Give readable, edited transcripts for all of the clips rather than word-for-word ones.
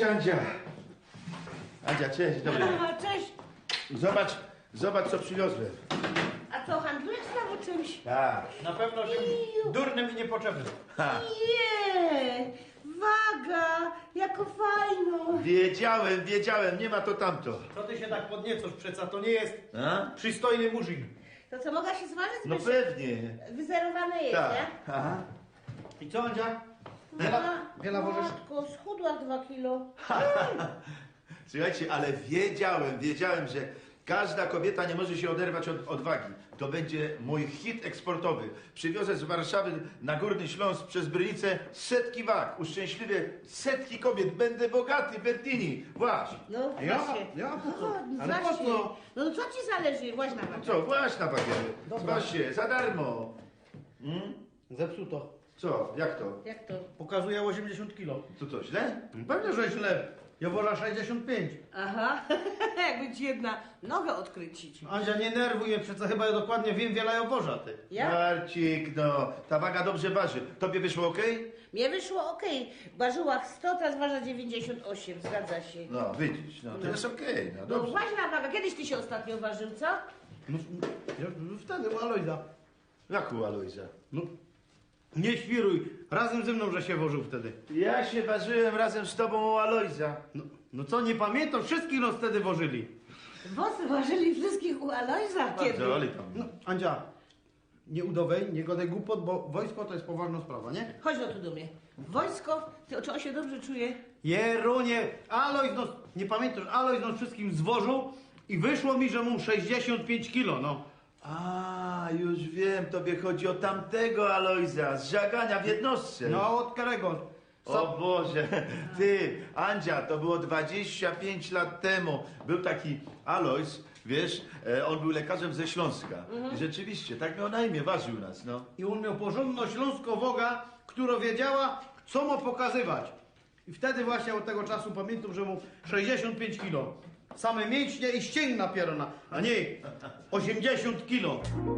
Cześć, Andzia. Andzia, cześć, dobry. Aha, cześć. Zobacz, co przywiozłem. A co, handlujesz znowu czymś? Tak. Na pewno czymś durnym i niepotrzebnym. Ha. Nie, waga, jako fajno. Wiedziałem, nie ma to tamto. Co ty się tak podniecasz? Przeca to nie jest A? przystojny murzyn. To co, mogła się zważyć? No pewnie. Wyzerowane jest, Tak. nie? Aha. I co, Andzia? Wiele wożysz? Matko, schudła 2 kilo. Słuchajcie, ale wiedziałem, że każda kobieta nie może się oderwać od wagi. To będzie mój hit eksportowy. Przywiozę z Warszawy na Górny Śląsk przez Brynicę setki wag. Uszczęśliwię setki kobiet. Będę bogaty, Bertini. Właśnie. No właśnie. Ja po co? No, Ale po właśnie. co? No co ci zależy? Właśnie na wagę. Co, właśnie na wagę. Dobra. Właśnie, za darmo. Zepsuto. Co, jak to? Jak to? Pokazuje 80 kilo. Co to, źle? Pewnie, że źle. Ja wolę 65. Aha, jakby ci jedna nogę odkrycić. Andzia, nie nerwuj mnie, przecież chyba ja dokładnie wiem wiele oboża, ty. Ja? Marcik, no, ta waga dobrze waży. Tobie wyszło okej? Mnie wyszło okej. Ważyła 100, teraz waży 98, zgadza się. No, widzisz, no, to jest okej, no No dobrze. właśnie na wagę. Kiedyś ty się ostatnio ważył, co? No, wtedy u Alojza. Jak u Alojza? No, nie świruj. Razem ze mną, że się wożył wtedy. Ja się ważyłem razem z tobą u Alojza. No co, nie pamiętam? Wszystkich nas wtedy wożyli. Wosy ważyli wszystkich u Alojza. Kiedy? Bardzo, ale tam. No, Andzia, nie udowej, nie godaj głupot, bo wojsko to jest poważna sprawa, nie? Chodź no tu do mnie. Wojsko, czy on się dobrze czuje? Jerunie, Alojz nos, nie pamiętasz, Alojz nas wszystkim zwożył i wyszło mi, że mu 65 kilo, no. A, już wiem, tobie chodzi o tamtego Alojza, z żagania w jednostce. No, od którego? O Boże, ty, Andzia, to było 25 lat temu. Był taki Alojz, wiesz, on był lekarzem ze Śląska. I rzeczywiście, tak miał na imię, ważył nas, no. I on miał porządną śląskowoga, która wiedziała, co mu pokazywać. I wtedy właśnie od tego czasu pamiętam, że mu 65 kilo. Same mięśnie i ścięgna pierona, a nie 80 kilo.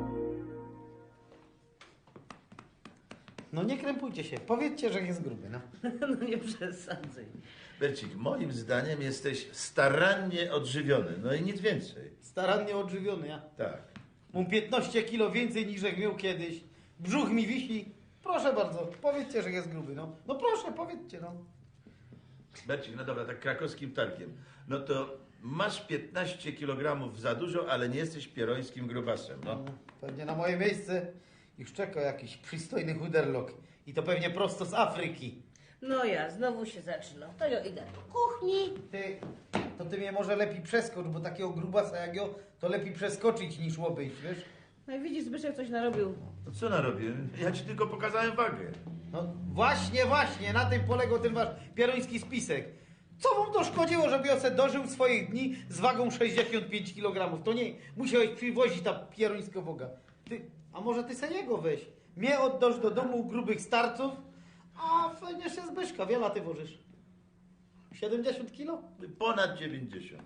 No nie krępujcie się, powiedzcie, że jest gruby, no. No nie przesadzaj. Bercik, moim zdaniem jesteś starannie odżywiony, no i nic więcej. Starannie odżywiony, ja. Tak. Mam 15 kilo więcej niż jak miał kiedyś. Brzuch mi wisi. Proszę bardzo, powiedzcie, że jest gruby, no. No proszę, powiedzcie, no. Bercik, no dobra, tak krakowskim targiem. No to masz 15 kg za dużo, ale nie jesteś pierońskim grubasem, no. Pewnie na moje miejsce już czeka jakiś przystojny chuderlok. I to pewnie prosto z Afryki. No ja, znowu się zaczyna. To ja idę do kuchni. Ty mnie może lepiej przeskocz, bo takiego grubasa jak ja, to lepiej przeskoczyć niż obejść, wiesz? No i widzisz, Zbyszek coś narobił. To co narobię? Ja ci tylko pokazałem wagę. No właśnie, na tym polegał ten wasz pieroński spisek. Co wam to szkodziło, żeby ja se dożył swoich dni z wagą 65 kg? To nie, musiałeś przywozić ta pierońska woga. A może ty se jego weź? Mnie oddasz do domu grubych starców, a fajnie się Zbyszka, wiele ty wożysz? 70 kilo? Ponad 90.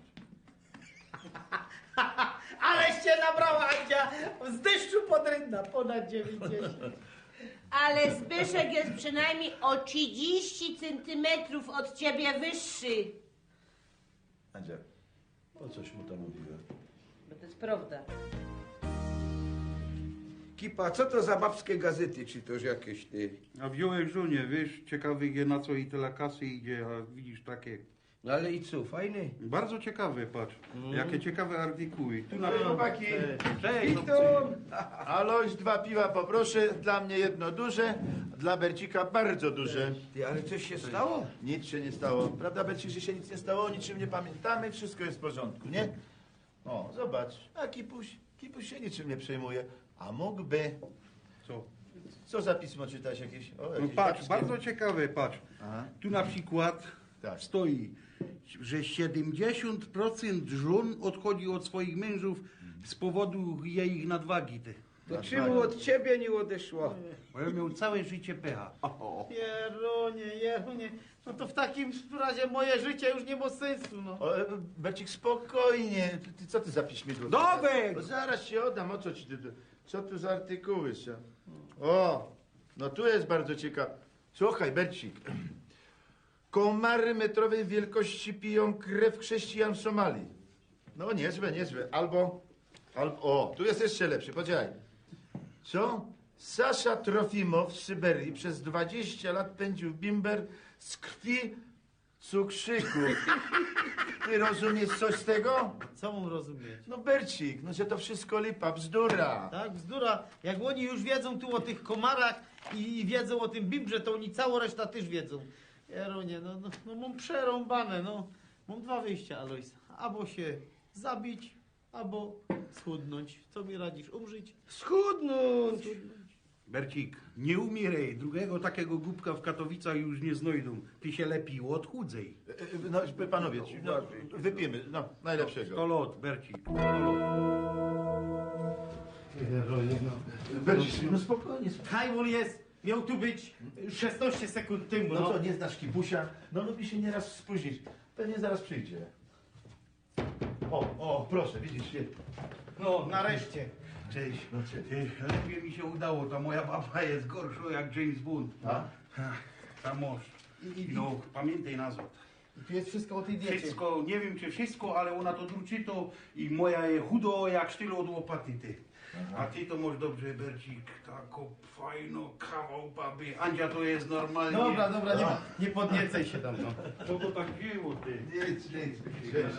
Aleście nabrała, Andzia, z deszczu pod rynna, ponad 90. Ale Zbyszek jest przynajmniej o 30 centymetrów od ciebie wyższy. Andzia, po coś mu to mówiłem? Bo to jest prawda. Kipa, co to za babskie gazety, czy toż jakieś ty? A wziąłeś żonie, wiesz, ciekawy je na co i tyle kasy idzie, a widzisz takie. No ale i co, fajny? Bardzo ciekawe, patrz. Jakie ciekawe artykuły. Tu na Chłopaki, Cześć, Alojz, 2 piwa poproszę, dla mnie jedno duże, dla Bercika bardzo duże. Ty, ale coś się stało? Nic się nie stało. Prawda, Bercik, że się nic nie stało, o niczym nie pamiętamy, wszystko jest w porządku, nie? O, zobacz, a Kipuś się niczym nie przejmuje, a mógłby... Co? Co za pismo czytać jakieś? O, No jakieś patrz, babskie. bardzo ciekawe, patrz. Aha. Tu na przykład Tak. stoi, że 70% żon odchodzi od swoich mężów z powodu jej nadwagi. Ty. To czemu od ciebie nie odeszło? Bo ja miał całe życie pecha. Jerunie, no to w takim razie moje życie już nie ma sensu, no. O, Bercik, spokojnie. Co ty za piśmidło? Nowek! Bo zaraz się oddam, o co ci... Co tu za artykuły są? O, no tu jest bardzo ciekawe. Słuchaj, Bercik. komary metrowej wielkości piją krew chrześcijan w Somalii. No niezłe, niezłe. Albo, o, tu jest jeszcze lepszy, podziałaj. Co? Sasza Trofimow w Syberii przez 20 lat pędził bimber z krwi cukrzyku. Ty rozumiesz coś z tego? Co mam rozumieć? No Bercik, no że to wszystko lipa, bzdura. Tak, bzdura. Jak oni już wiedzą tu o tych komarach i wiedzą o tym bimbrze, to oni całą resztę też wiedzą. Jeronie, no mam przerąbane, no. Mam dwa wyjścia, Alojs. Albo się zabić, albo schudnąć. Co mi radzisz? Umrzeć? Schudnąć. Bercik, nie umieraj. Drugiego takiego głupka w Katowicach już nie znajdą. Ty się lepiej odchudzej. No panowie, no, wypijmy, no najlepszego. 100 lot, Bercik. 100 lot. Jeronie, no. Bercik, no spokojnie. Kajmon jest, miał tu być 16 sekund temu, No co, nie znasz Kipusia? No lubi się nieraz spóźnić. Pewnie zaraz przyjdzie. O, proszę, widzisz się. No, nareszcie. Cześć, no cześć. Ty, lepiej mi się udało. Ta moja baba jest gorsza jak James Bond. A? Ta mąż. No, pamiętaj nazwę. I tu jest wszystko o tej diecie. Wszystko, nie wiem czy wszystko, ale ona to druczy to i moja jest chudo jak sztylo od łopaty, ty. A ty to masz dobrze, Bercik, taką fajną kawał baby. Andzia to jest normalnie. Dobra, nie podniecaj się tam, no. Co to tak było, ty? Nic. Cześć.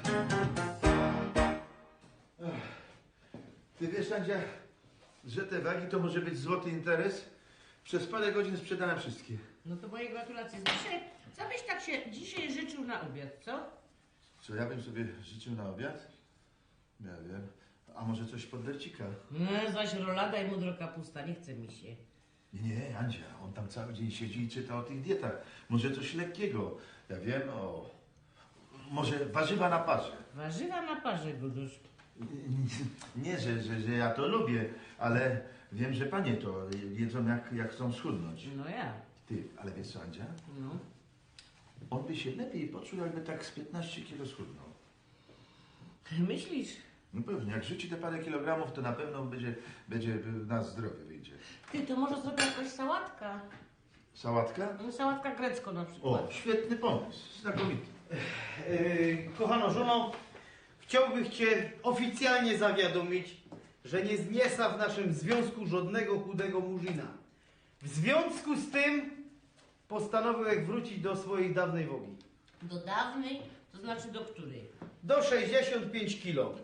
Ty wiesz, Andzia, że te wagi to może być złoty interes? Przez parę godzin sprzedałem wszystkie. No to moje gratulacje. Zbyszek, co byś tak się dzisiaj życzył na obiad, co? Co ja bym sobie życzył na obiad? Ja wiem. A może coś pod Bercika? No, zaś rolada i mudro kapusta, nie chce mi się. Nie, Andzia, on tam cały dzień siedzi i czyta o tych dietach. Może coś lekkiego. Ja wiem, może warzywa na parze. Warzywa na parze, Gudusz. Nie, że ja to lubię, ale wiem, że panie to jedzą jak chcą schudnąć. No ja. Ty, ale wiesz co, Andzia? No. On by się lepiej poczuł, jakby tak z 15 kilo schudnął. Myślisz? No pewnie, jak rzuci te parę kilogramów, to na pewno będzie na zdrowie wyjdzie. Ty, to może zrobię jakaś sałatka? Sałatka? No, sałatka grecko na przykład. O, świetny pomysł, znakomity. Kochano żono, chciałbym cię oficjalnie zawiadomić, że nie zniesa w naszym związku żadnego chudego murzyna. W związku z tym postanowiłem wrócić do swojej dawnej wogi. Do dawnej, to znaczy do której? Do 65 kilo.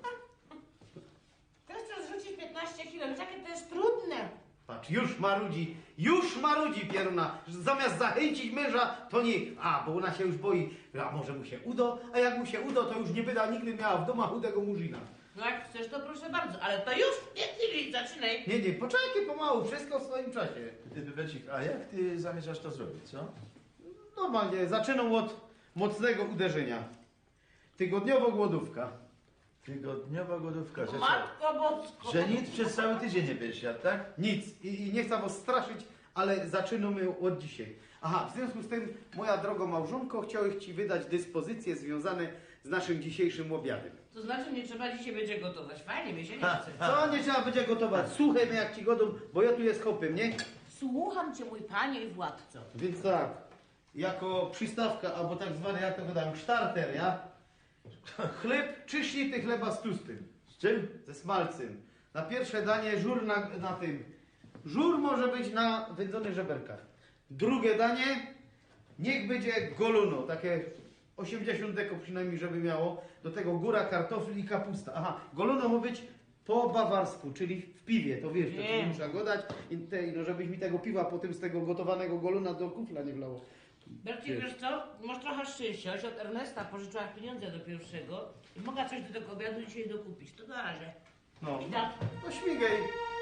Teraz trzeba zrzucić 15 kilo, wiesz jakie to jest trudne. Patrz, już marudzi pieruna. Zamiast zachęcić męża, to nie. Bo ona się już boi, a może mu się uda, a jak mu się uda, to już nie byda nigdy miała w domu chudego murzyna. No jak chcesz, to proszę bardzo, ale to już, nie, zaczynaj. Nie, poczekaj pomału, wszystko w swoim czasie. Ty, Bercik, a jak ty zamierzasz to zrobić, co? Normalnie, zaczynam od mocnego uderzenia. Tygodniowo głodówka. Tygodniowa głodówka, że co? Matko Bosko. Że nic przez cały tydzień nie będziesz jadł, tak? Nic. I nie chcę was straszyć, ale zaczynamy od dzisiaj. W związku z tym, moja droga małżonko, chciałem ci wydać dyspozycje związane z naszym dzisiejszym obiadem. To znaczy nie trzeba dzisiaj będzie gotować. Fajnie, mi się nie chce. Co nie trzeba będzie gotować? Słuchaj mnie jak ci godą, bo ja tu jest hopem, nie? Słucham cię, mój panie i władco. Więc tak, jako przystawka, albo tak zwany, jak to go dam, starter, ja? Chleb, 3 ślity chleba z tłustym. Z czym? Ze smalcem. Na pierwsze danie żur na tym. Żur może być na wędzonych żeberkach. Drugie danie, niech będzie goluno, takie 80 deko przynajmniej, żeby miało. Do tego góra kartofli i kapusta. Goluno ma być po bawarsku, czyli w piwie, to wiesz, to Wiem. muszę go dać. No żebyś mi tego piwa potem z tego gotowanego goluna do kufla nie wlało. Bercik, wiesz co? Masz trochę szczęścia. Ja się od Ernesta pożyczyła pieniądze do pierwszego i mogła coś do tego obiadu dzisiaj dokupić. To na razie. No, I tak. no śmigaj.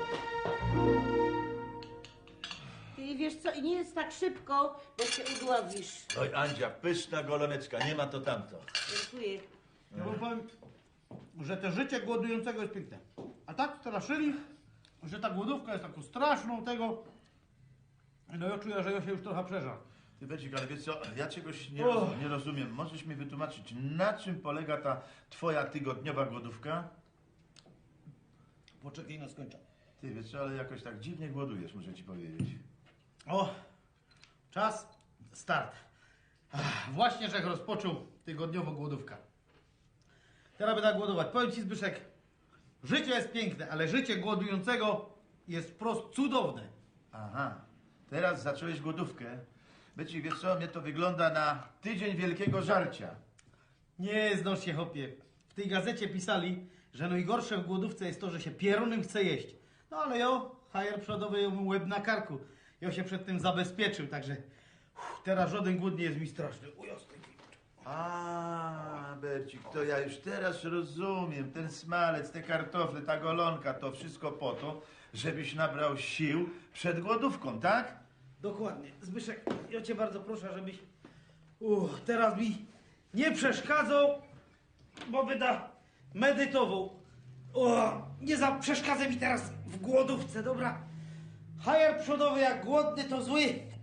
I wiesz co? I nie jest tak szybko, bo się udławisz. Oj, Andzia, pyszna goloneczka, nie ma to tamto. Dziękuję. Ja wam powiem, że to życie głodującego jest piękne. A tak straszyli, że ta głodówka jest taką straszną tego. No ja czuję, że ja się już trochę przeżar. Ty, Bercik, ale wiesz co, ja czegoś O. nie rozumiem. Możesz mi wytłumaczyć, na czym polega ta twoja tygodniowa głodówka? Poczekaj, no skończę. Ty, wiesz co, ale jakoś tak dziwnie głodujesz, muszę ci powiedzieć. O, czas, start. Właśnie, że rozpoczął tygodniową głodówkę. Teraz będę głodować. Powiem ci, Zbyszek, życie jest piękne, ale życie głodującego jest wprost cudowne. Aha, teraz zacząłeś głodówkę. Becik, wiesz co, mnie to wygląda na tydzień wielkiego żarcia. Nie znosz się, chłopie. W tej gazecie pisali, że najgorsze w głodówce jest to, że się pierunem chce jeść. No ale hajer przodowy ją łeb na karku. Ja się przed tym zabezpieczył, także teraz żaden głód nie jest mi straszny. O jasny gwint. A, Bercik, to ja już teraz rozumiem. Ten smalec, te kartofle, ta golonka, to wszystko po to, żebyś nabrał sił przed głodówką, tak? Dokładnie. Zbyszek, ja cię bardzo proszę, żebyś teraz mi nie przeszkadzał, bo będę medytował. Nie przeszkadzaj mi teraz w głodówce, dobra? Hajer przodowy jak głodny to zły.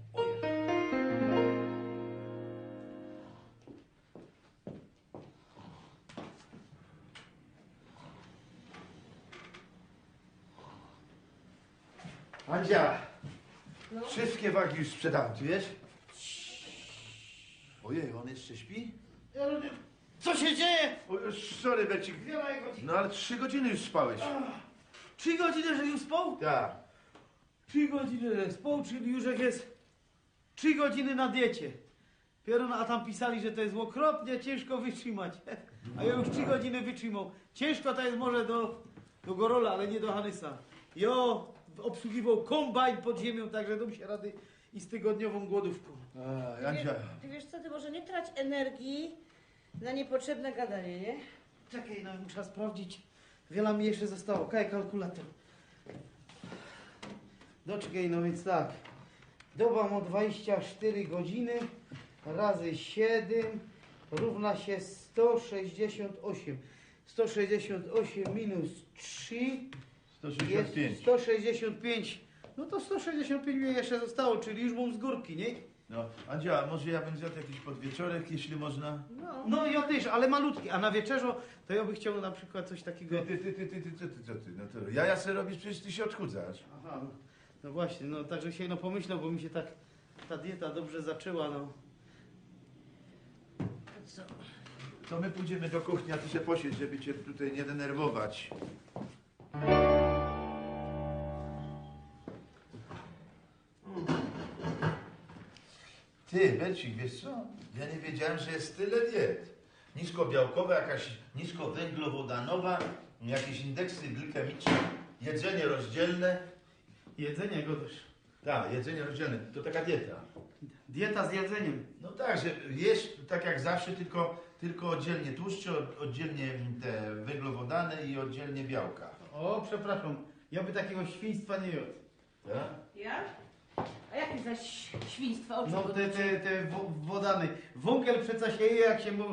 Andzia, wszystkie wagi już sprzedałem, ty wiesz? Ojej, on jeszcze śpi? Co się dzieje? O, sorry, Bercik. No ale 3 godziny już spałeś. 3 godziny, że już spał? Tak. 3 godziny, że spał, czyli już jak jest 3 godziny na diecie. Pierun, a tam pisali, że to jest okropnie ciężko wytrzymać. A ja już 3 godziny wytrzymał. Ciężko to jest może do Gorola, ale nie do Hanysa. Jo obsługiwał kombajn pod ziemią, także dam się rady i z tygodniową głodówką. A, Andzia. Ty wiesz co, ty może nie trać energii na niepotrzebne gadanie, nie? Czekaj, no muszę sprawdzić. Wiele mi jeszcze zostało. Kaj kalkulator. Doczekaj, no więc tak. Doba ma 24 godziny razy 7 równa się 168. 168 minus 3 jest 165. 165. No to 165 mi jeszcze zostało, czyli już mam z górki, nie? No, Andzia, może ja bym zjadł jakiś podwieczorek, jeśli można? No ja też, ale malutki. A na wieczerzo to ja bym chciał na przykład coś takiego... Co ty? No to jaja se robisz, przecież ty się odchudzasz. Aha, no właśnie, no także się pomyślał, bo mi się tak ta dieta dobrze zaczęła, no. Co? To my pójdziemy do kuchni, a ty się posiedź, żeby cię tutaj nie denerwować. Ty, Bercik, wiesz co? Ja nie wiedziałem, że jest tyle diet. Niskobiałkowa, jakaś niskowęglowodanowa, jakieś indeksy glikemiczne, jedzenie rozdzielne. Jedzenie go też. Tak, jedzenie rozdzielne. To taka dieta. Dieta z jedzeniem. No tak, że jesz tak jak zawsze, tylko oddzielnie tłuszcze, oddzielnie te węglowodany i oddzielnie białka. O, przepraszam, ja by takiego świństwa nie jadł. Tak? Ja? A jakie zaś świństwa? O czym No chodzi? te wodany. Wągiel przeca się je, jak się mu...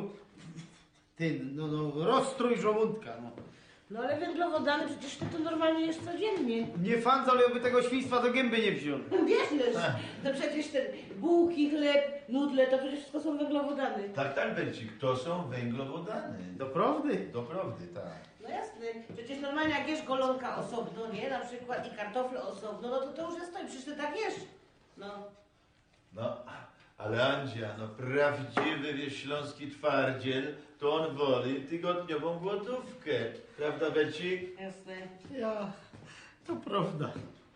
rozstrój żołądka, no. No ale węglowodany przecież ty to normalnie jesz codziennie. Nie fandza, ale ja by tego świństwa do gęby nie wziął. Wiesz, to przecież ten bułki, chleb, nudle, to przecież wszystko są węglowodany. Tak, Bercik, to są węglowodany. Doprawdy? Doprawdy, tak. No jasne, przecież normalnie jak jesz golonka osobno, nie? Na przykład i kartofle osobno, no to już jest to i przecież ty tak jesz. No. No, ale Andzia, no prawdziwy śląski twardziel, to on woli tygodniową głodówkę. Prawda, Bercik? Jasne. Ja, to prawda.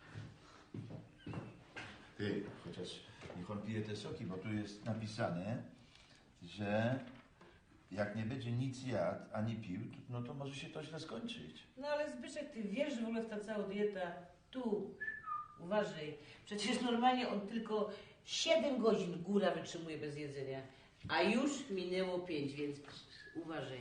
Ty, chociaż niech on pije te soki, bo tu jest napisane, że jak nie będzie nic jadł ani pił, no to może się to źle skończyć. No ale Zbyszek, ty wiesz, że w ogóle w ta cała dieta, tu, uważaj, przecież normalnie on tylko 7 godzin góra wytrzymuje bez jedzenia, a już minęło 5, więc uważaj.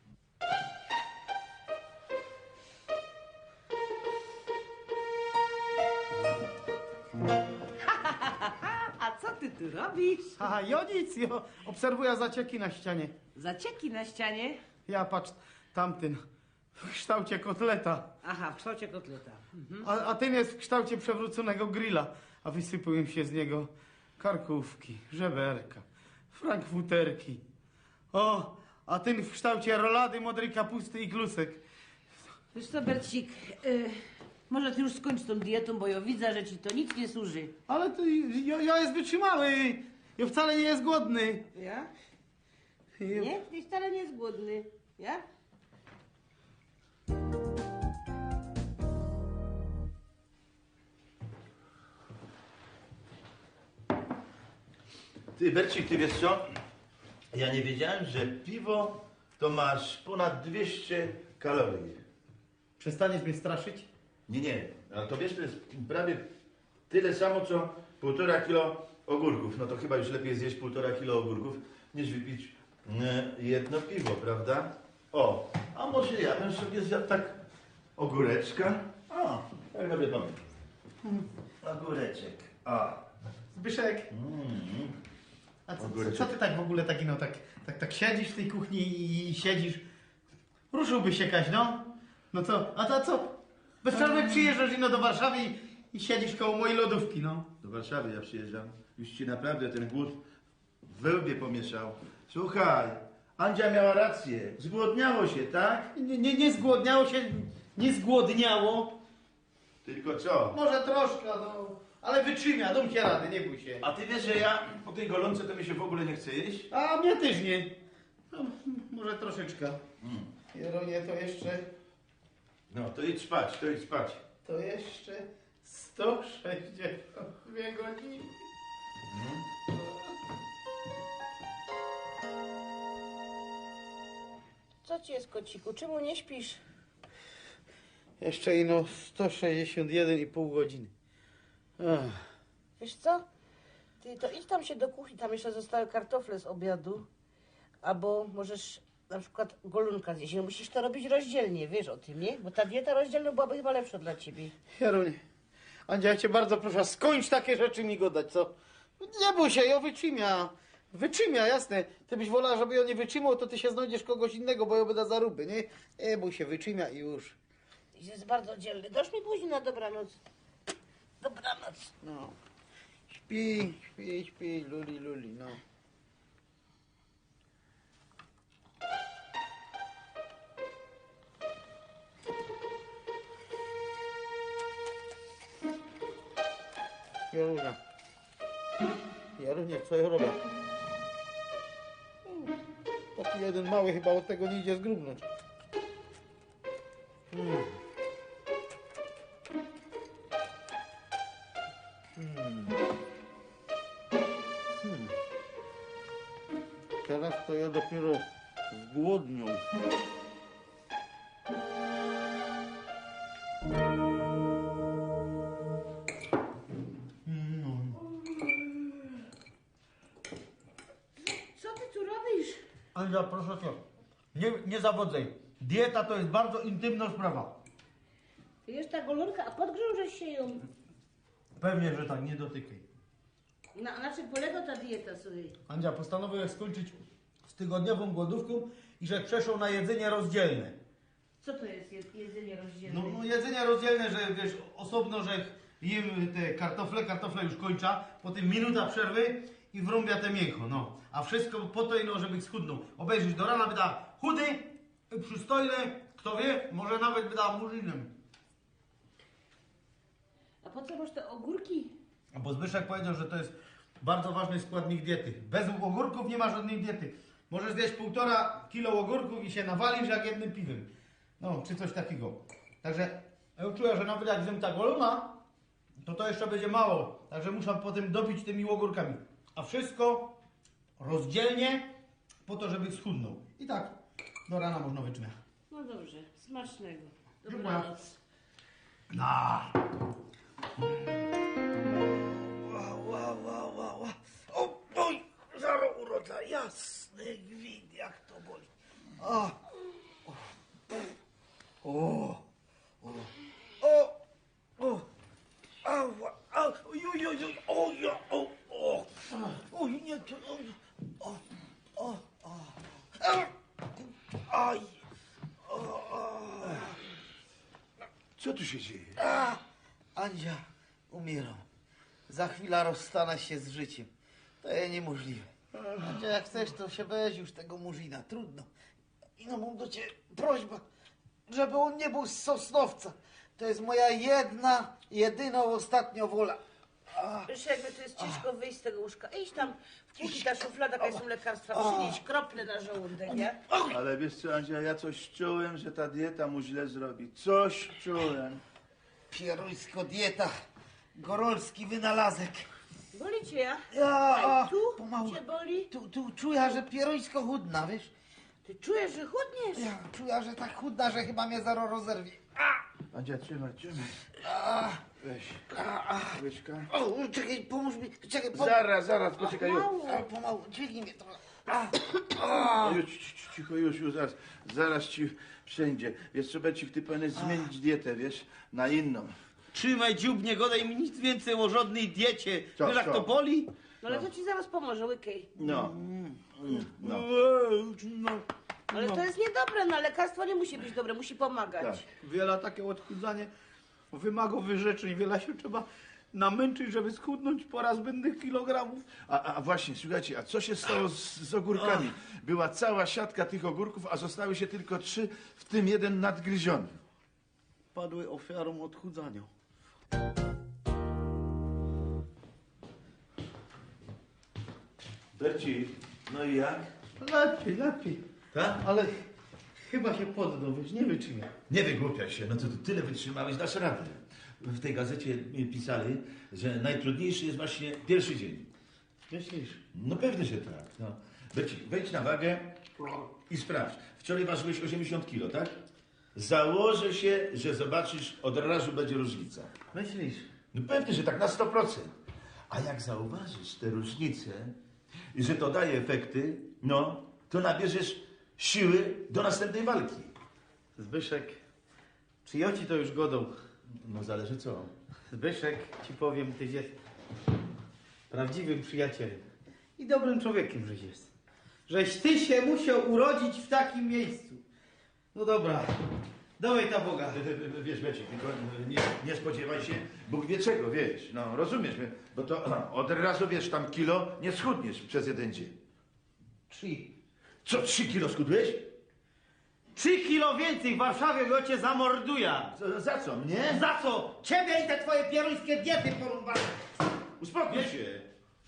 A co ty tu robisz? Aha, ja nic, ja obserwuję zacieki na ścianie. Zacieki na ścianie? Ja patrz, tamten w kształcie kotleta, Aha, w kształcie kotleta. a ten jest w kształcie przewróconego grilla, a wysypują się z niego karkówki, żeberka, frankfuterki. O, a ten w kształcie rolady, modrej kapusty i klusek. Wiesz co, Bercik, może ty już skończ tą dietą, bo ja widzę, że ci to nic nie służy. Ale to ja jest wytrzymały. Ja wcale nie jest głodny. Ja? Nie? Ty wcale nie jest głodny. Ja? Ty, Bercik, ty wiesz co? Ja nie wiedziałem, że piwo to masz ponad 200 kalorii. Przestaniesz mnie straszyć? Nie, ale to wiesz, to jest prawie tyle samo, co 1,5 kilo ogórków. No to chyba już lepiej zjeść 1,5 kilo ogórków, niż wypić jedno piwo, prawda? O, a może ja bym sobie zjadł tak ogóreczka? O, jak dobry pomysł. Ogóreczek, a. Zbyszek, a co ty tak w ogóle taki, no tak siedzisz w tej kuchni i siedzisz? Ruszyłbyś się Kaś, no? No co, a to co? Bez przerwy przyjeżdżasz ino do Warszawy i siedzisz koło mojej lodówki, no. Do Warszawy ja przyjeżdżam. Już ci naprawdę ten głód w wełbie pomieszał. Słuchaj, Andzia miała rację. Zgłodniało się, tak? Nie zgłodniało się, nie zgłodniało. Tylko co? Może troszkę, no. Ale wytrzymia, dom się rady, nie bój się. A ty wiesz, że ja po tej golące to mi się w ogóle nie chce jeść? A mnie też nie. No, może troszeczkę. Jeronie, to jeszcze... No, to idź spać, to idź spać. To jeszcze 162 godziny. Co ci jest, kociku? Czemu nie śpisz? Jeszcze ino 161,5 godziny. Ach. Wiesz co? Ty to idź tam się do kuchni, tam jeszcze zostały kartofle z obiadu. Albo możesz na przykład golunka zjeść. No musisz to robić rozdzielnie, wiesz o tym, nie? Bo ta dieta rozdzielna byłaby chyba lepsza dla ciebie. Jeronie, Andzia, ja cię bardzo proszę, skończ takie rzeczy mi godać, co? Nie bój się, ja wytrzymia. Wytrzymia, jasne. Ty byś wolała, żeby ją nie wytrzymał, to ty się znajdziesz kogoś innego, bo ją będę zaruby, nie? Nie bój się, wytrzymia i już. Jest bardzo dzielny. Dosz mi później na dobranoc. Dobranoc. No. Śpi, śpi, śpi, luli, luli, no. Jarunia. Jarunia, co ja robię? Taki jeden mały chyba od tego nie idzie zgrubnąć. Teraz to ja dopiero zgłodnią. Co ty tu robisz? Andzia, proszę cię, nie zawodzaj. Dieta to jest bardzo intymna sprawa. Ty jest ta golonka, a podgrążesz się ją. Pewnie, że tak, nie dotykaj. Na czym polega ta dieta, słuchaj? Andzia, postanowiłem skończyć z tygodniową głodówką i że przeszło na jedzenie rozdzielne. Co to jest jedzenie rozdzielne? No jedzenie rozdzielne, że wiesz, osobno, że jem te kartofle już kończa, potem minuta przerwy i wrąbia te mięcho, no. A wszystko po to, no, żeby schudnął. Obejrzysz do rana, byda chudy, przystojny, kto wie, może nawet byda murzynem. A po co masz te ogórki? Bo Zbyszek powiedział, że to jest bardzo ważny składnik diety. Bez ogórków nie ma żadnej diety. Możesz zjeść 1,5 kilo ogórków i się nawalisz jak jednym piwem. No, czy coś takiego. Także ja czuję, że nawet jak zjem ta golona, to jeszcze będzie mało. Także muszę potem dopić tymi ogórkami. A wszystko rozdzielnie po to, żeby schudnął. I tak do rana można wytrzymać. No dobrze, smacznego. Dziękuję. Dobranoc. Na. O, oj, zaro urodza, jasny gwint, jak to boli. A, o, ała, oj, oj, oj, oj, o, ja, o, oj, nie, to, aj, co tu się dzieje? Andzia, umieram. Za chwilę rozstanę się z życiem. To jest niemożliwe. Andzia, jak chcesz, to się weź już tego murzyna. Trudno. I no mam do ciebie prośbę, żeby on nie był z Sosnowca. To jest moja jedyna, ostatnia wola. Wiesz, jakby to jest ciężko wyjść z tego łóżka. Idź tam w kuchni, ta szuflada, jaka są lekarstwa, przynieść krople na żołądek, nie? Ale wiesz co, Andzia, ja coś czułem, że ta dieta mu źle zrobi. Coś czułem. Pierońsko dieta. Gorolski wynalazek. Boli cię, ja? Ja, Tu pomału. cię boli? Tu czuję, że pierońsko chudna, wiesz? Ty czujesz, że chudniesz? Ja czuję, że tak chudna, że chyba mnie zaraz rozerwie. Andzia, trzymaj. Weź. Łyżka. O, czekaj, pomóż mi. Czekaj, Zaraz, poczekaj. Już. Pomału, dźwignij mnie trochę. Cicho, już, zaraz ci wszędzie. Wiesz co, Becik, ty powinieneś zmienić dietę, wiesz, na inną. Trzymaj dziób, nie godaj mi nic więcej o żadnej diecie. Co, Wiesz, jak co? to boli? No ale to ci zaraz pomoże, łykej. No. Ale to jest niedobre, no lekarstwo nie musi być dobre, musi pomagać. Tak. Wiele takie odchudzanie wymaga wyrzeczeń, wiele się trzeba namęczyć, żeby schudnąć po raz zbędnych kilogramów. A właśnie, słuchajcie, a co się stało z ogórkami? Była cała siatka tych ogórków, a zostały się tylko 3, w tym jeden nadgryziony. Padły ofiarą odchudzania. Berci, no i jak? Lepiej. Tak? Ale chyba się poddał, wiesz, nie wytrzymał. Nie wygłupiaj się, no to ty tyle wytrzymałeś, dasz radę. W tej gazecie mi pisali, że najtrudniejszy jest właśnie pierwszy dzień. Myślisz? No pewnie, że tak. No. Berci, wejdź na wagę i sprawdź. Wczoraj ważyłeś 80 kilo, tak? Założę się, że zobaczysz, od razu będzie różnica. Myślisz? No pewnie, że tak na 100%. A jak zauważysz te różnice i że to daje efekty, no, to nabierzesz siły do następnej walki. Zbyszek, czy ja ci to już godą? No zależy co. Zbyszek, ci powiem, tyś jest prawdziwym przyjacielem i dobrym człowiekiem, żeś jest. Żeś ty się musiał urodzić w takim miejscu. No dobra, dawaj ta Boga. Wiesz, Becik, tylko nie spodziewaj się, Bóg wie czego, wiesz, no rozumiesz, bo to od razu, wiesz, tam kilo nie schudniesz przez jeden dzień. 3. Co, 3 kilo schudłeś? 3 kilo więcej w Warszawie go cię zamorduję. Za co, mnie? Za co? Ciebie i te twoje pieruńskie diety porąbane. Uspokój się.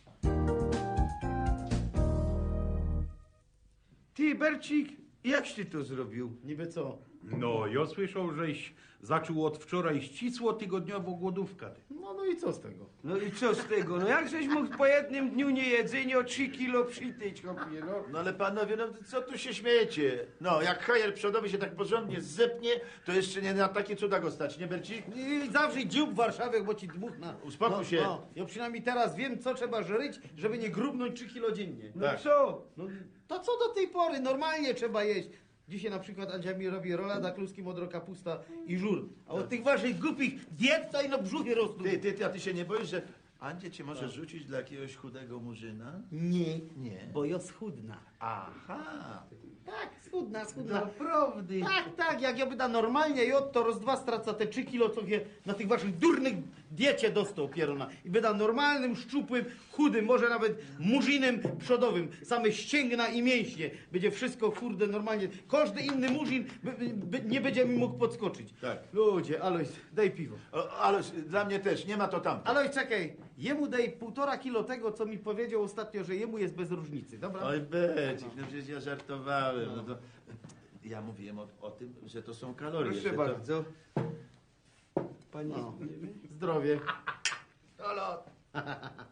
Ty, Bercik, jakś ty to zrobił? Niby co? No, ja słyszał, żeś zaczął od wczoraj ścisło tygodniową głodówkę. No i co z tego? No i co z tego? No jak żeś mógł po jednym dniu niejedzenia o 3 kilo przytyć, chłopie, no? No ale panowie, no co tu się śmiejecie? No, jak hajer przodowy się tak porządnie zepnie, to jeszcze nie na takie cuda go stać, nie Bercik? I zawrzyj dziób w Warszawie, bo ci dmuchna. Uspokój się. No, ja przynajmniej teraz wiem, co trzeba żryć, żeby nie grubnąć 3 kilo dziennie. No Tak. co? No, to co do tej pory? Normalnie trzeba jeść. Dzisiaj na przykład Andzia mi robi rolada, kluski, modro kapusta i żur. A od tych waszych głupich diet to ino brzuchy rosną. A ty się nie boisz, że Andzie cię może rzucić dla jakiegoś chudego murzyna? Nie, Nie. bo ja schudna. Aha. Tak, schudna. Naprawdę. Tak, jak ja byda normalnie i to roz dwa straca te 3 kilo, co je na tych waszych durnych diecie dostał pierona. I byda normalnym, szczupłym, chudym, może nawet murzinem przodowym. Same ścięgna i mięśnie. Będzie wszystko, kurde, normalnie. Każdy inny murzin nie będzie mi mógł podskoczyć. Tak. Ludzie, Alois, daj piwo. Ale dla mnie też, nie ma to tam. Alois, czekaj, jemu daj 1,5 kilo tego, co mi powiedział ostatnio, że jemu jest bez różnicy, dobra? Oj, Becik, no przecież ja żartowałem. No to, ja mówiłem o tym, że to są kalorie. Proszę że bardzo. Panie, No. Zdrowie. Halo.